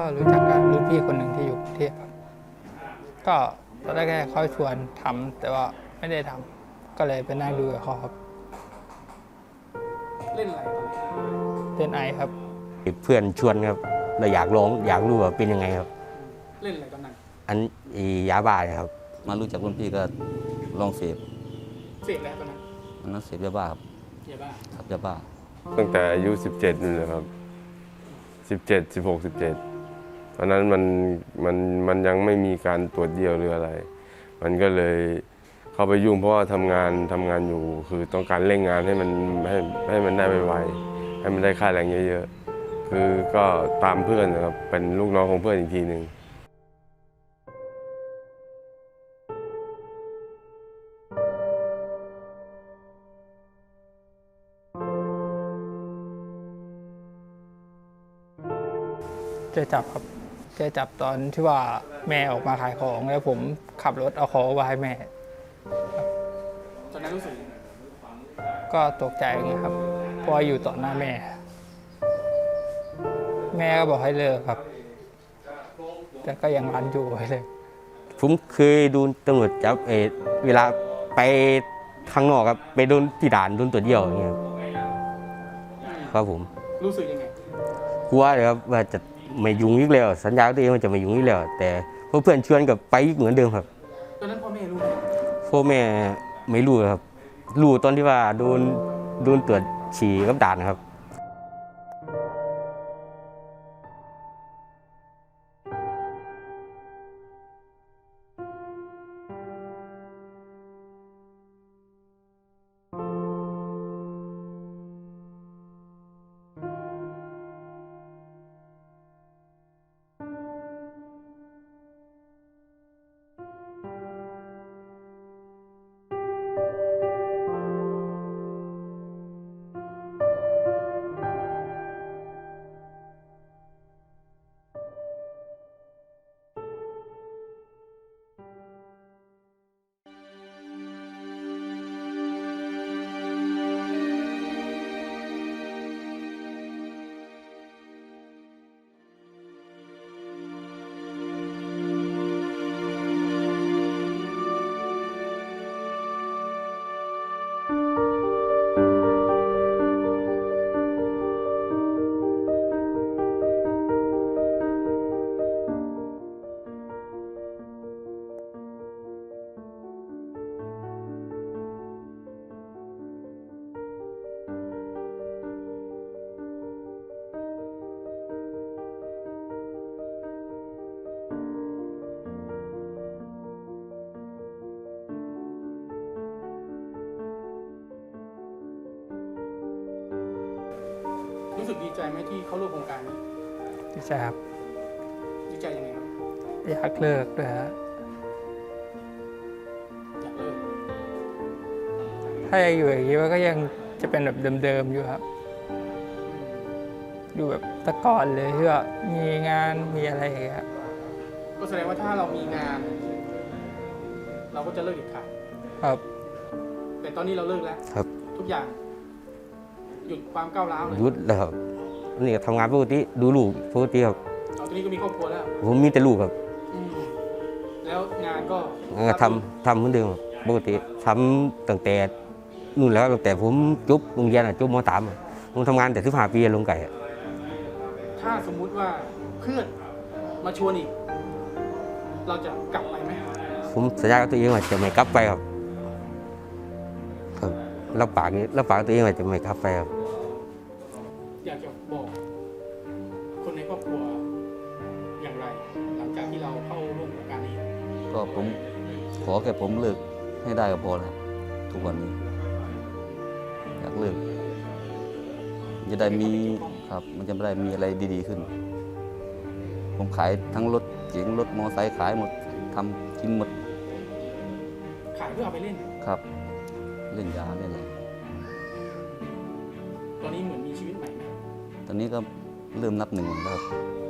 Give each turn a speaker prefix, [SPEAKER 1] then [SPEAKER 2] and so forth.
[SPEAKER 1] รู้จักกับรุ่นพี่คนหนึ่งที่อยู่กรุงเทพครับก็ตอนแรกเขาชวนทำแต่ว่าไม่ได้ทำก็เลยไปนั่งดูกับเขาครับ
[SPEAKER 2] เล่นอะไรตอนนี้
[SPEAKER 1] เล่นไอครับ
[SPEAKER 3] เพื่อนชวนครับเราอยากลองอยากรู้ว่าเป็นยังไงครับ
[SPEAKER 2] เล่นอะไรตอนนั้น
[SPEAKER 3] อันยาบ้าครับ
[SPEAKER 4] มารู้จักรุ่นพี่ก็ลองเสพ
[SPEAKER 2] แล้วตอนนั้น
[SPEAKER 4] มันนั้นเสพยาบ้าครับ
[SPEAKER 2] ยาบ้า
[SPEAKER 4] ครับยาบ้า
[SPEAKER 5] ตั้งแต่อายุ17นี่แหละครับ17 16 17ตอนนั้นมันยังไม่มีการตรวจเดี่ยวหรืออะไร มันก็เลยเข้าไปยุ่งเพราะว่าทำงานอยู่คือต้องการเร่งงานให้มันได้ไวๆให้มันได้ค่าแรงเยอะๆคือก็ตามเพื่อนนะครับเป็นลูกน้องของเพื่อนอีกทีหนึ่ง
[SPEAKER 1] เจอจับครับเจอจับตอนที่ว่าแม่ออกมาขายของแล้วผมขับรถเอาของมาให้แม่
[SPEAKER 2] ตอนนั้นรู้สึก
[SPEAKER 1] ก็ตกใจนะครับเพราะอยู่ต่อหน้าแม่ แม่ก็บอกให้เลิกครับแต่ก็ยังรันอยู่เลย
[SPEAKER 3] ผมเคยโดนตำรวจจับเวลาไปข้างนอกครับไปโดนที่ด่านโดนตรวจเยี่ยวอย่างเงี้ยครับผม
[SPEAKER 2] รู้สึกยังไง
[SPEAKER 3] กลัวเลยครับว่าจะไม่ยุ่งอีกแล้วสัญญาตัวเองว่าจะไม่ยุ่งอีกแล้วแต่เพื่อนชวนกับไปอีกเหมือนเดิมครับ
[SPEAKER 2] ตอนนั้นพ่อแม่รู้
[SPEAKER 3] พ่อแม่ไม่รู้ครับรู้ตอนที่ว่าโดนตรวจฉี่กับด่านครับ
[SPEAKER 2] รู้สึกดีใจไหมที่เข้าร่วมโครงการนี้
[SPEAKER 1] ดีใจครับ
[SPEAKER 2] ดีใจยังไงครับ
[SPEAKER 1] อยากเลิกด้วยฮะ
[SPEAKER 2] อยากเลิก
[SPEAKER 1] ถ้ายังอยู่อย่างนี้ก็ยังจะเป็นแบบเดิมๆอยู่ครับอยู่แบบแตะก่อนเลยที่ว่ามีงานมีอะไรอย่างเงี้ย
[SPEAKER 2] ก็แสดงว่าถ้าเรามีงาน เราก็จะเลิกเด็ดขาด
[SPEAKER 1] ครับ
[SPEAKER 2] แต่ตอนนี้เราเลิกแล้ว
[SPEAKER 3] ครับ
[SPEAKER 2] ทุกอย่างหยุดความก้าวร้าวเลย
[SPEAKER 3] หยุดแล้วครับนี่ทำงานปกติดูลูกปกติครับ
[SPEAKER 2] ตอนนี้ก็มีครอบครัวแล้ว
[SPEAKER 3] ผมมีแต่ลูกครับ
[SPEAKER 2] แล้วงานก็
[SPEAKER 3] ทำเหมือนเดิมปกติทำตั้งแต่นู่นแล้วตั้งแต่ผมจบโรงเรียนจบม.3ผมทำงานแต่15 ปีลงไก่
[SPEAKER 2] ถ้าสมมุติว่าเพื่อนมาชวนอีกเราจะกลับไปไหม
[SPEAKER 3] ผมสัญญากับตัวเองว่าจะไม่กลับไปครับรับปากตัวเองว่าจะไม่กลับไปครับ
[SPEAKER 2] อยากจะบอกคนในครอบครัวอย่างไรหลังจากที่เราเข้าร่วมโครงการนี้
[SPEAKER 4] ก็ผมขอแค่ผมเลิกให้ได้ก็พอแล้วทุกวันนี้อยากเลิกจะได้มีครับมันจะได้มีอะไรดีๆขึ้นผมขายทั้งรถเก๋งรถมอเตอร์ไซค์ขายหมดทำกินหมด
[SPEAKER 2] ขายเพื่อเอาไปเล่น
[SPEAKER 4] ครับเล่นยาเล่นอะไร
[SPEAKER 2] ตอนนี้เหมือนมีชีวิตใหม่ไหม
[SPEAKER 4] ตอนนี้ก็เริ่มนับหนึ่งแล้วครับ